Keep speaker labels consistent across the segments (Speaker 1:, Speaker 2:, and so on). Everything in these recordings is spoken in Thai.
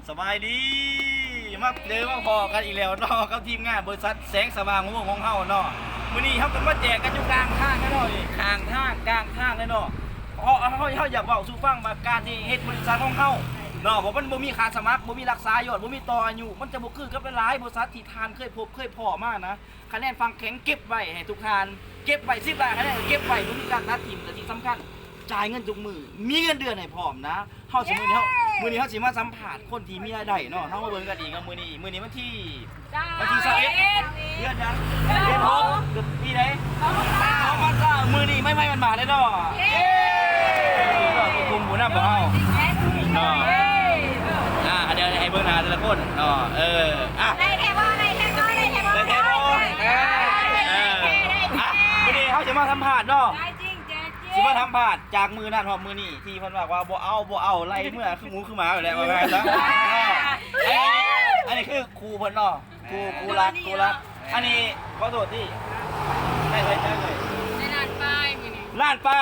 Speaker 1: สบายดีมาเจอมาพอกันอีกแล้วเนาะกับทีมงานบริษัทแสงสว่างม่วงของเฮาเนาะมื้อนี้เฮาก็มาแจกกันอยู่กลางทางกันเนาะนี่ข้างทางกลางทางเลยเนาะเฮาอยากเว้าสู่ฟังมาการที่เฮ็ดบริษัทของเฮาเนาะเพราะมันบ่มีค่าสมัครบ่มีรักษายอดบ่มีต่ออายุมันจะบ่คือกับหลายบริษัทที่ทานเคยพบเคยพ้อมานะคะแนนฟังแข็งเก็บไว้ให้ทุกทานเก็บไว้10บาทคะแนนเก็บไว้บ่มีการตัดทิ่มแต่ที่สำคัญจ่ายเงินทุกมือมีเงินเดือนให้พร้อมนะเฮาสิมื้อนี้เฮาสิมาสัมภาษณ์คนที่มีรายได้เนาะเฮามาเบิ่งกันอีกกับมื้อนี้วันที่21เดือนยังเดือน6เดือนปีไหนเอามาจ้ามื้อนี้ไม่มันมาได้เนาะเย้มีกลุ่มผู้นำของเฮาเนาะเดี๋ยวให้เบิ่งหน้าแต่ละคนเนาะ
Speaker 2: ได้แค่บ่มื้อ
Speaker 1: นี้เฮาสิมาสัมภาษณ์เนาะสิมาทำบาดจากมือนั่นหอมมือนี่ที่เพิ่นบอกว่าบ่เอาไล่เมื่อคือหมูคือหมาอยู่แล้วว่าไงซะอันนี้คือครูเพิ่นเนาะครูรักอันนี้ขอโทษที่ได้เลย
Speaker 2: ในร้านป้ายมื้อนี้
Speaker 1: ล้านไป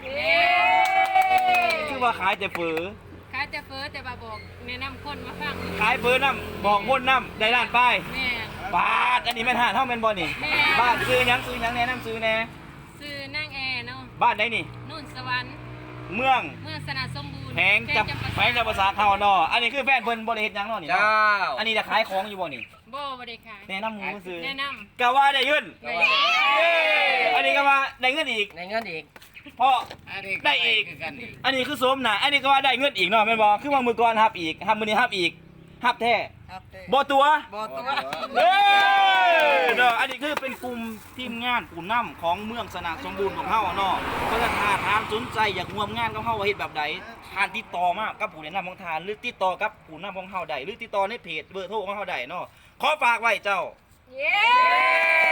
Speaker 1: คือว่าขายแต่ฝือ
Speaker 2: ขายแต่เฟอแต่บ่บอกแนะนำคนมาฟัง
Speaker 1: ขายฝือนำบอกคนนำได้ล้านไป
Speaker 2: แม่
Speaker 1: บาทอันนี้แม่นหาเฮาแม่นบ่นี่บ้านซื้อหยังแนะนำซื้อแน่
Speaker 2: ซื้อนางแอเนาะ
Speaker 1: บ้านไหนนี่
Speaker 2: นุ่นสวรรค์
Speaker 1: เมือง
Speaker 2: สนาสมบูรณ์
Speaker 1: แพงจับภาษาเฮาเนาะอันนี้คือแฟนเพิ่นบ่ได้เฮ็ดหยังเนาะนี่เจ้าอันนี้จะขายของอยู่บ่นี่
Speaker 2: บ่ได้ขาย
Speaker 1: แนะนำหมูซื้อ
Speaker 2: แนะนำ
Speaker 1: ก็ว่าได้เงินอันนี้ก็ว่าได้เงินอีกเพราะได้อีกอันนี้คือสมนะอันนี้ก็ว่าได้เงินอีกเนาะแม่นบ่คือว่ามือก่อนฮับอีกฮับมื้อนี้ฮับอีกฮับแท้บ่ตัวเนาะอันนี้คือเป็นกลุ่มทีมงานผู้นำของเมืองสนาสมบูรณ์ของเฮาเนาะก็ถ้าทานสนใจอยากร่วมงานกับเฮาว่าเฮ็ดแบบใดทานติดต่อมากับผู้แนะนำของทานหรือติดต่อกับผู้นำของเฮาได้หรือติดต่อในเพจเบอร์โทรของเฮาได้เนาะขอฝากไว้เจ้า